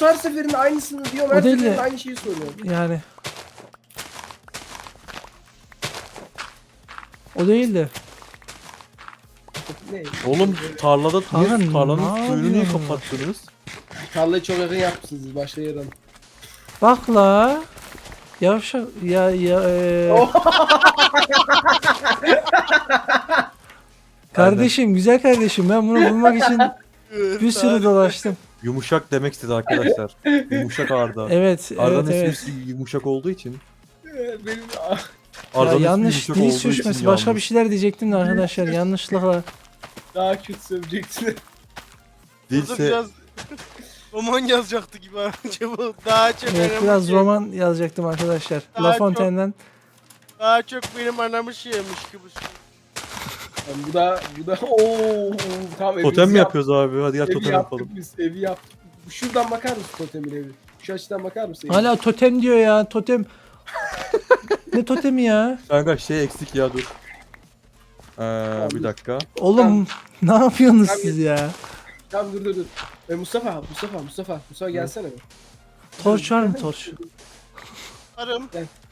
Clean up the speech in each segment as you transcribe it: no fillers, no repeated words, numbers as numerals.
Yunus her seferinde aynısını diyor. O Her değil de- seferinde aynı şeyi soruyor. Yani. O değil de. Ne? Oğlum tarlada Kanka, niye tarlanın ne suyunu niye yapıyorsun? kapattınız? Tarlayı çok yakın yapmışsınız başka yerden. Bak la. Yavşak ya kardeşim, güzel kardeşim, ben bunu bulmak için bir sürü dolaştım. Yumuşak demek istedi arkadaşlar. Yumuşak Arda. Evet, Arda'nın evet, evet. ismi yumuşak olduğu için. Benim Ya Arda'nın ismi yanlış yumuşak dil olduğu için sürçmesi, başka bir yalnız. şeyler diyecektim de arkadaşlar yanlışlıkla. daha kötü söyleyeceksin. Burada Değilse biraz roman yazacaktı gibi acaba daha çok Evet, anamı biraz şey- roman yazacaktım arkadaşlar. Daha La çok- Fontaine'den. Daha çok benim anamı şeymiş gibi. Yani bu da ooo tamam evimizi totem mi yaptık. yapıyoruz abi? Hadi gel Evi totem yaptık yapalım. biz, evi yaptık. Şuradan bakar mısın totemin evi? Şu açıdan bakar mısın? Hala totem diyor ya, totem. Ne totemi ya? Kanka şey eksik ya dur. Bir dakika. Oğlum ne yapıyorsunuz Tamam. siz ya? Tamam dur. Mustafa gelsene bir. Torç var mı torç? Arım.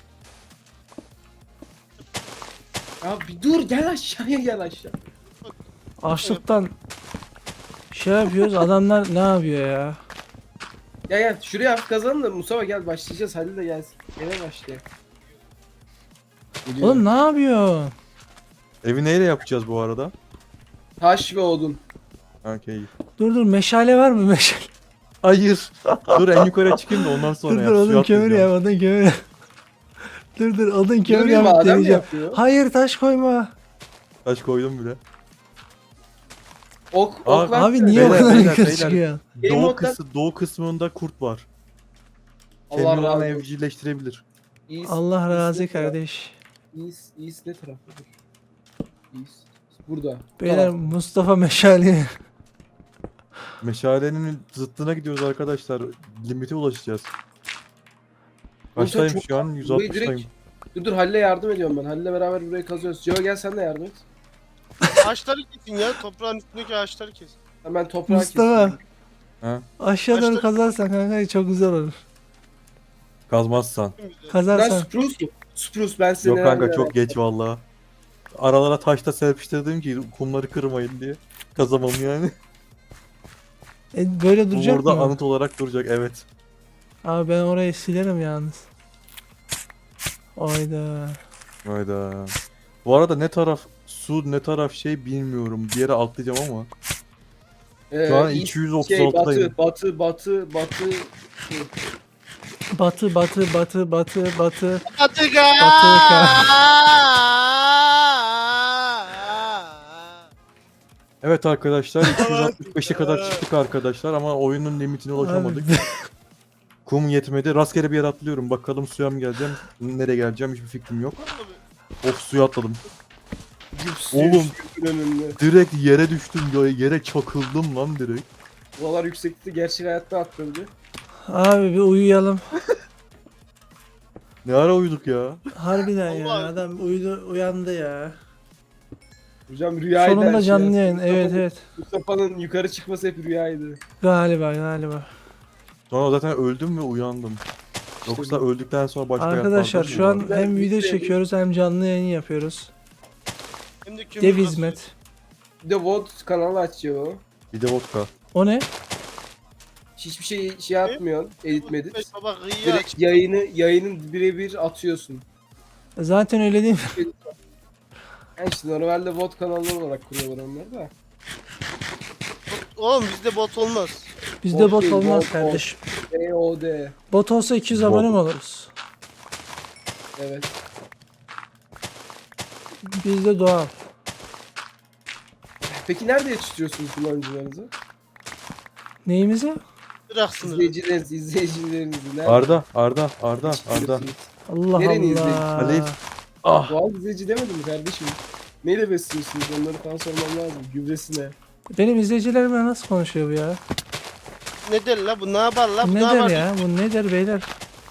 Ya bir dur gel aşağıya gel aşağı. Açlıktan şey yapıyoruz, adamlar ne yapıyor ya? Gel şuraya hafif kazanın da Mustafa gel başlayacağız Halil de gelsin. Eve başlayalım. Geliyor. Oğlum ne yapıyor? Evi neyle yapacağız bu arada? Taş ve odun. Okey. Dur meşale var mı meşale? Hayır. Dur en yukarıya çıkayım da ondan sonra Dur yap. Suya odun kömür atlayacağım. yap, odun kömür yap. Dur odun kömür Görüyor musun yap adam deneyeceğim. yapıyor. Hayır taş koyma. Taş koydum bile. Ok Abi versene. Abi niye o Beyler, kadar beyler, yukarı beyler. çıkıyor? Benim Doğu kısmında kurt var. Allah Kendini razı ona olsun. evcilleştirebilir. Allah razı ne taraf? kardeş. İyis ne taraftadır? İyis. Burada. Beyler Tamam. Mustafa meşale. Meşalenin zıttına gidiyoruz arkadaşlar. Limite ulaşacağız. Oğlum sen Kaçtayım çok- şu an? burayı 160'tayım. Dur Halil'e yardım ediyorum ben. Halil'le beraber burayı kazıyoruz. Joe gel sen de yardım et. Ağaçları kesin ya. Toprağın üstündeki ağaçları kesin. Hemen toprağı Mustafa. keseyim. Ha? Aşağı doğru Başta- kazarsan kanka çok güzel olur. Kazmazsan. Çok güzel. Ben Kazarsan. Spruce mu? Spruce ben seni Yok kanka neler çok geç valla. Aralara taşta serpiştirdim ki kumları kırmayın diye. Kazamam yani. Böyle Bu duracak burada mı? anıt olarak duracak evet. Abi ben orayı silerim yalnız. Ayda. Hayda. Bu arada ne taraf su ne taraf şey bilmiyorum. Bir yere atlayacağım ama. Şu an East, 236'dayım. batı. Batı. Batıka. Evet arkadaşlar 265'e kadar çıktık arkadaşlar ama oyunun limitine ulaşamadık. Kum yetmedi. Rastgele bir yere atlıyorum. Bakalım suya mı geleceğim? Nereye geleceğim hiçbir fikrim yok. Of suya atladım. Oğlum. Önünde. Direkt yere düştüm. Yere çakıldım lan direkt. Buralar yüksekti. Gerçek hayatta atladı. Abi bir uyuyalım. Ne ara uyuduk ya? Harbiden ya, Allah. adam uyandı ya. Hocam rüyaydı. her Sonunda şey canlı aslında. yayın, evet. Mustafa'nın yukarı çıkması hep rüyaydı. Galiba. Sonra zaten öldüm ve uyandım. Yoksa öldükten sonra başka Arkadaşlar hayatlar şu an var. hem video çekiyoruz hem canlı yayın yapıyoruz. Hem de kömür Dev kasıyor. hizmet. Bir de VOD kanalı açıyor o. Bir de vodka. O ne? Hiçbir şey atmıyorsun. Edit medit. Baba gıyı Direkt aç. yayının birebir atıyorsun. Zaten öyle değil mi? Yani işte normalde VOD kanalı olarak kuruyorlar onları da. Oğlum bizde bot olmaz. Bizde Bot bot değil, olmaz bot. kardeşim. VOD. Bot olsa 200 abone mi oluruz? Evet. Bizde doğal. Peki nerede yetiştiriyorsunuz kullanıcılarınızı? Neyimizi? Irak sınırı. İzleyicilerinizi nerede? Arda. yetiştiriyorsunuz? Allah Nereni Allah. Halil. Ah. Doğal izleyici demedim mi kardeşim? Neyle besliyorsunuz? Onları falan sormam lazım. Gübresine. Benim izleyicilerimle nasıl konuşuyor bu ya? Ne der la bu ne yapar la bu Ne ne yapar? der ya? Bu ne der beyler?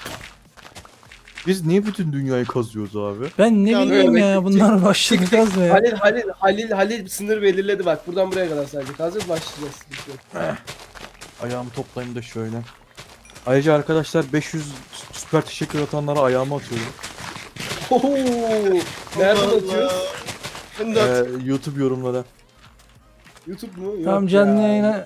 Biz niye bütün dünyayı kazıyoruz abi? Ben ne Ya bileyim öyle ya, bunlar başladı kazmaya. Halil sınır belirledi bak. Buradan buraya kadar sadece. Hazır başlayacağız. Ayağımı toplayayım da şöyle. Ayrıca arkadaşlar 500 süper teşekkür atanlara ayağıma atıyorum. Oho! Nereden Allah atıyoruz? Allah. Ben de at. YouTube yorumlara. YouTube mu? Yok Tamam canlı ya. yayına.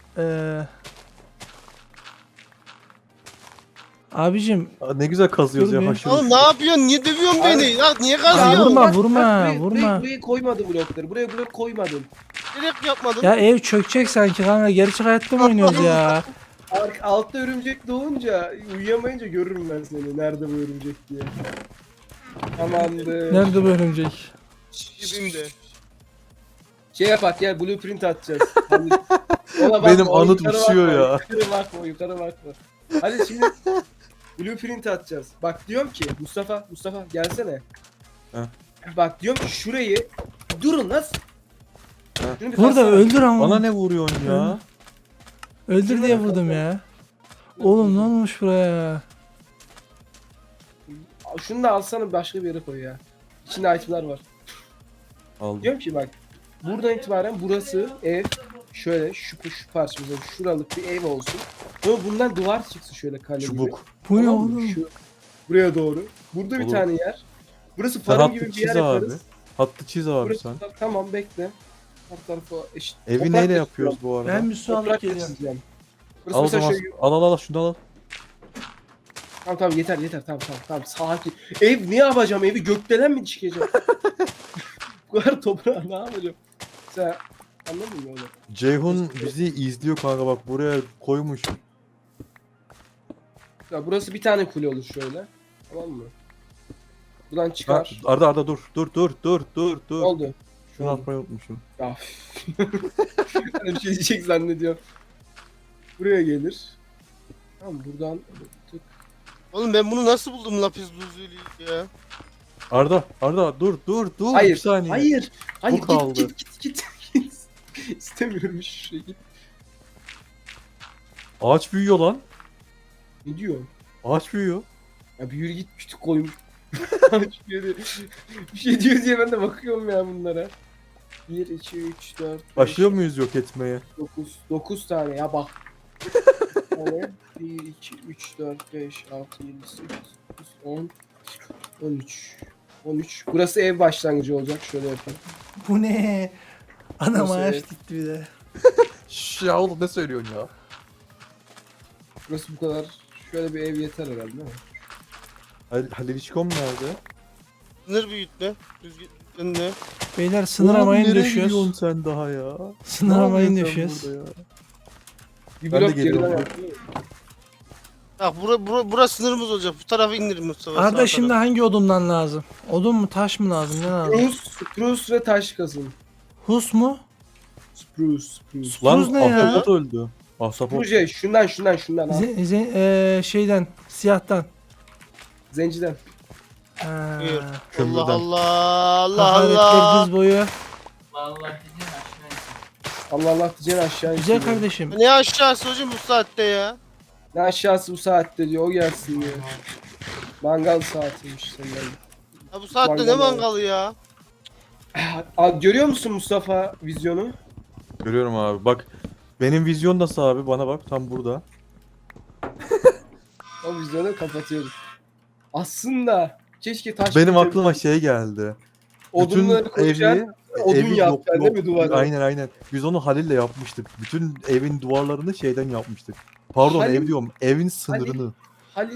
Abicim Aa, ne güzel kazıyoruz Dur ya bir. haşır Oğlum ne yapıyorsun? Niye dövüyorsun Abi- beni? Ya niye Ya kazıyorsun? vurma, Bak, vurma, bak, vurma. Buraya koymadım blokları. Buraya blok koymadım. Direkt yapmadın. ya ev çökecek sanki kanka. Gerçek hayatta mı oynuyoruz ya? Altta örümcek doğunca uyuyamayınca görürüm ben seni. Nerede bu örümcek diye. Tamamdır. Nerede bu örümcek? Gibiyim de. Şey yapak ya, blueprint atacağız. Hani, ona bakma, Benim o anıt yukarı uçuyor bakma, ya. Yukarı bakma, yukarı bakma. Hadi şimdi blueprint atacağız. Bak diyorum ki Mustafa gelsene. Heh. Bak diyorum ki şurayı durun nasıl? Heh. Şunu bir Burada kalsana. öldür ama. Bana ne vuruyorsun ya? Öldür diye vurdum ya. Oğlum ne olmuş buraya? Şunu da alsana başka bir yere koy ya. İçinde itemler var. Aldım. Diyorum ki bak buradan itibaren burası ev şöyle şu parçamızda şuralık bir ev olsun. Sonra bundan duvar çıksın şöyle kale gibi. Çubuk. Bu ne Tamam mı? oğlum? Buraya doğru. Burada bir Olur. tane yer. Burası Sen farm gibi hattı bir yer çiz abi. yaparız. Hattı çiz abi Burası sen. tamam bekle. Her tarafı eşit. Evi Toprak neyle da yapıyoruz çiziyorum. bu arada? Ben bir su alıp Toprak da geliyorum. çizeceğim. Burası Al o mesela zaman. şöyle. Al yeter Tamam yeter tamam sakin. Ev ne yapacağım, evi gökdelen mi çıkacağım? Bu kadar toprağa ne yapacağım? Sen anladın mı onu? Ceyhun bizi izliyor kanka bak buraya koymuş. Ya burası bir tane kule olur şöyle. Tamam mı? Buradan Ha, çıkar. Arda dur. Ne oldu? Şunu atmayı unutmuşum. Ya. Hani bir şey diyecek zannediyorum. Buraya gelir. Tamam buradan tık. Oğlum ben bunu nasıl buldum lapis lazuli ya? Arda dur bir Hayır. saniye. Hayır. Hayır Bu kaldı. git. İstemiyorum şu şey git. Ağaç büyüyor lan. Ne diyor? Ağaç büyüyor. Ya bir yürü git kütük koymuş. Bir şey diyor diye ben de bakıyorum ya bunlara. 1, 2, 3, 4, 5, Başlıyor muyuz yok etmeye? 9 tane ya bak. 1, 2, 3, 4, 5, 6, 7, 8, 9, 10, 13. 13. Burası ev başlangıcı olacak. Şöyle yapalım. Bu ne? Ana Nasıl maaş ev? dikti bir de. Ya oğlum ne söylüyorsun ya? Burası bu kadar. Şöyle bir ev yeter herhalde değil mi? Haliliçkom nerede? Sınır büyütme. Düzgün ne? Beyler sınır Oğlum, amayını nereye düşüyoruz. gidiyorsun sen daha ya? Sınır Ne amayını yapıyorsun sen düşüyoruz. burada ya? Bir Ben de blok geliyorum. geriden yaptım. Bak burası sınırımız olacak. Bu tarafa indirin Mustafa. Arda sağ şimdi tarafa. hangi odundan lazım? Odun mu taş mı lazım? Ne lazım? Spruce ve taş kazın. Hus mu? Spruce. Lan Tuz ne ya? ahtapot öldü. Ahtapot. Proje şundan al. Şeyden siyahtan. Zenciden. Ha. Buyur. Kömürden. Allah Allah Hakaretler Allah. diz boyu. Allah diyeceksin aşağı Güzel indiriyor. kardeşim. Ne aşağısı hocam bu saatte ya? Ne aşağısı bu saatte diyor o gelsin diyor. Mangal saatiymiş senin. Ya bu saatte Mangal ne ya. mangalı ya? Abi görüyor musun Mustafa vizyonu? Görüyorum abi bak. Benim vizyon nasıl abi bana bak tam burada. O vizyonu kapatıyoruz. Aslında keşke taş Benim koyacaksın. aklıma şey geldi. Odunları koyacaksın. Odun yapacaksın değil mi duvara? Aynen. Biz onu Halil'le yapmıştık. Bütün evin duvarlarını şeyden yapmıştık. Pardon Halil- ev diyorum. Evin sınırını.